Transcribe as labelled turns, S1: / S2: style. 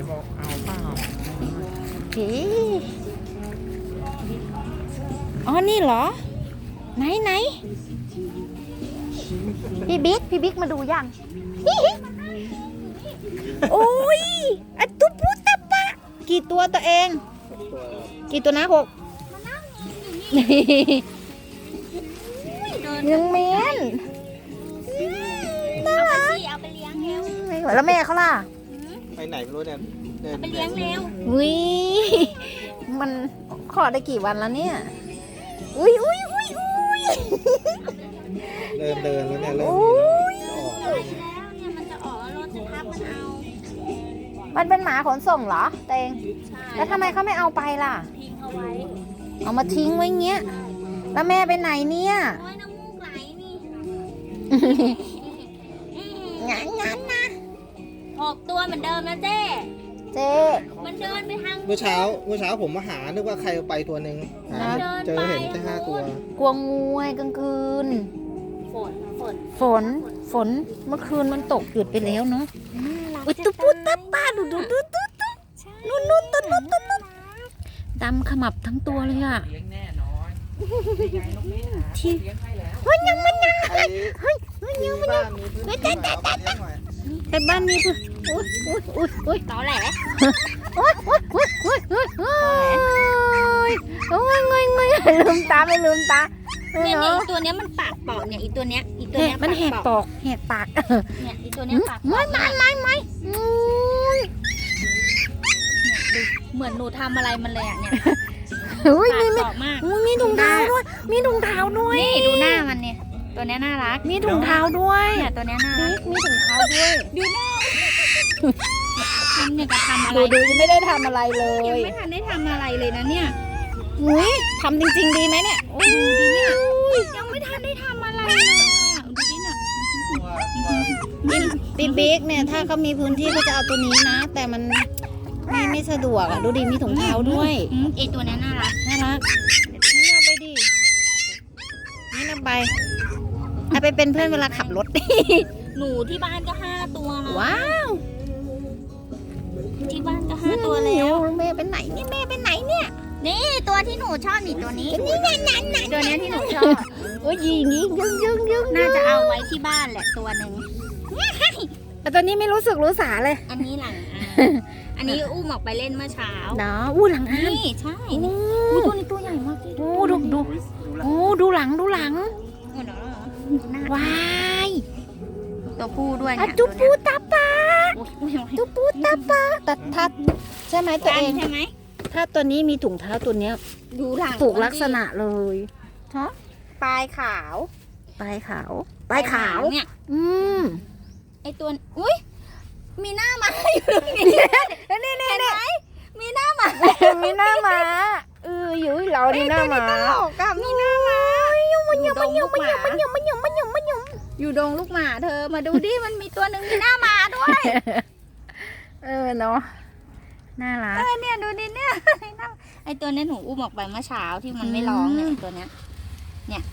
S1: บอกเอาเปล่า
S2: โอเคอ๋อนี่เหรอไหนพี่บิ๊กมาดูยังโอ้ยอะตุ๊ปูตะปะกี่ตัวตัวเองกี่ตัวนะ6ยังเมนน่ารัก
S3: เอาไปเลี้ยงเร็ว
S2: แล้วแม่เขาล่ะ
S1: ไปไหนไม่รู้เนี่ยเดิน
S3: เอาไปเลี้ยงเร็ว
S2: วิมันขอได้กี่วันแล้วเนี่ยอุ้ย
S1: เดินแล้วเนี่ยเริ่ม
S2: อุ้ย
S1: จะออก
S3: แล้วเนี่ยมันจะออกรถจะทับมันเอา
S2: มันเป็นหมาขนส่งเหรอเตง
S3: ใช่
S2: แล้วทำไมเขาไม่เอาไปล่ะ
S3: ทิ้งเอาไว้
S2: เอามาทิ้งไว้เงี้ยแล้วแม่ไปไหนเนี่ย
S3: โอ้ยน้ำมูกไหลนี่
S2: งั้นนะ
S3: 6 ตัวเหมือนเดิมนะเจ๊
S2: เจ๊
S3: มันเดินไปทาง
S1: เมื่อเช้าผมมาหานึกว่าใครเอาไปตัวหนึ่งหาเจอเห็นแค่5 ตัว
S2: กลัวงูไงกลางคืน ฝนเมื่อคืนมันตกหยุดไปแล้วเนาะอุ้ยตุ๊ปูตะป้าดูนู่นตุ๊ดำขมับทั้งตัวเลยอ่ะ
S4: เลี้ยงแน่นอนนี่ไงนกแม่หา
S2: ที่
S4: เลี้ยงให้แล้ว
S2: เฮ้ยยัง
S1: บ้านมีพื้นที่เปล่าเอาไปเลี้ยงหน่อย
S2: ไปบ้านนี้เพื่ออุ้ย
S3: ตอแหล
S2: โอ้ยลืมตาไม่ลืมตา
S3: เนี่ย
S2: เนาะ
S3: อีตัวเนี้ยมันปากเปาะเนี่ยอีตัวเนี้ย
S2: มันแหกปอกแหกปาก
S3: เนี่ยอีตัวเนี้ยปากเปาะ
S2: ไม่
S3: เหมือนหนูทำอะไรมันเลยอ่ะเนี่ย
S2: อุ้ย
S3: ปาก
S2: มี
S3: เปาะมาก
S2: มีถุงเท้าด้วยมีถุงเท้าด้วย
S3: นี่ดูหน้ามันเนี่ยตัวเนี้ยน่ารัก
S2: มีถุงเท้าด้วย
S3: เนี่ยตัวเนี้ยน่ารั
S2: บิ๊
S3: ก
S2: กมีถุงเท้าด้วย
S3: ดูหน้ามันเนี่ยจะทำอะไร
S2: ดูยังไม่ได้ทำอะไรเล
S3: ยัง
S2: ย
S3: ไม่ทันได้ทำอะไรเลยนะเนี่ย
S2: อุ้ยทำจริงๆดีไหมเนี่ย
S3: ดูดิเนี่ยยังไม่ทันได้ทำอะไรเลยอะดูดิเนี่ย
S2: บิ๊กเนี่ยถ้าเขามีพื้นที่เขาจะเอาตัวนี้นะ แต่มันไม่สะดวกอ่ะดูดิมีถุงเท้าด้วย
S3: ไอตัวเนี้ยน่ารัก
S2: น่ารักนี่เอาไปดินี่เอาไปเอาไปเป็นเพื่อนเวลาขับรถ
S3: หนูที่บ้านก็5 ตัวแล้ว
S2: ว้าว
S3: ที่บ้านก็5 ตัวแล้ว
S2: แม่เป็นไหนเนี่ยแม่เป็นไหนเนี่ย
S3: นี่ตัวที่หนูชอบนี่ตัวนี้
S2: นี่นั่น
S3: ตัวเนี้ยที่หนูชอบ
S2: โอ้ยยิงยึง
S3: น่าจะเอาไว้ที่บ้านแหละตัวหนึ่ง
S2: แต่ตัวนี้ไม่รู้สึกรู้สาเลย
S3: อันนี้หลังอันนี้อุ้มออกไปเล่นเมื่อเช้า
S2: เนาะอู้หลังอ่ะ
S3: นี่ใช่
S2: โอ้
S3: ตัวนี้ตัวใหญ่มากที่
S2: โอ้ดูหลัง
S3: โอ้โหน่า
S2: ว้าย
S3: ตัวผู้ด้วย
S2: อะ
S3: เนี่ย
S2: จุปูตาปา
S3: ตัวเนี้ย
S2: จุปูตาปาแต่ถ้าใช่ไหมตัวเอง
S3: ใช่ไหม
S2: ถ้าตัวนี้มีถุงเท้าตัวเนี้ย
S3: ดูหลัง
S2: ถูกลักษณะเลยฮะ
S3: ปลายขาว
S2: ปลายขาว
S3: เนี่ย
S2: อืม
S3: ไอตัวอุ้ยมีหน้ามาอยู่ตรงนี้
S2: นี่
S3: เห็นไหมมีหน้ามา
S2: มีหน้าหมาอยู่เรานี่หน้าหมา
S3: ตลกอะมีหน้ามามันยังอยู่ดงลูกหมาเธอมาดูดิมันมีตัวหนึ่งมีหน้ามาด้วย
S2: เนาะน่ารัก
S3: เนี่ยดูดิเนี่ยไอตัวเนี้ยหนูอุ้มออกไปเมื่อเช้าที่มันไม่ร้องเนี่ยไอ้ตัวเนี้ย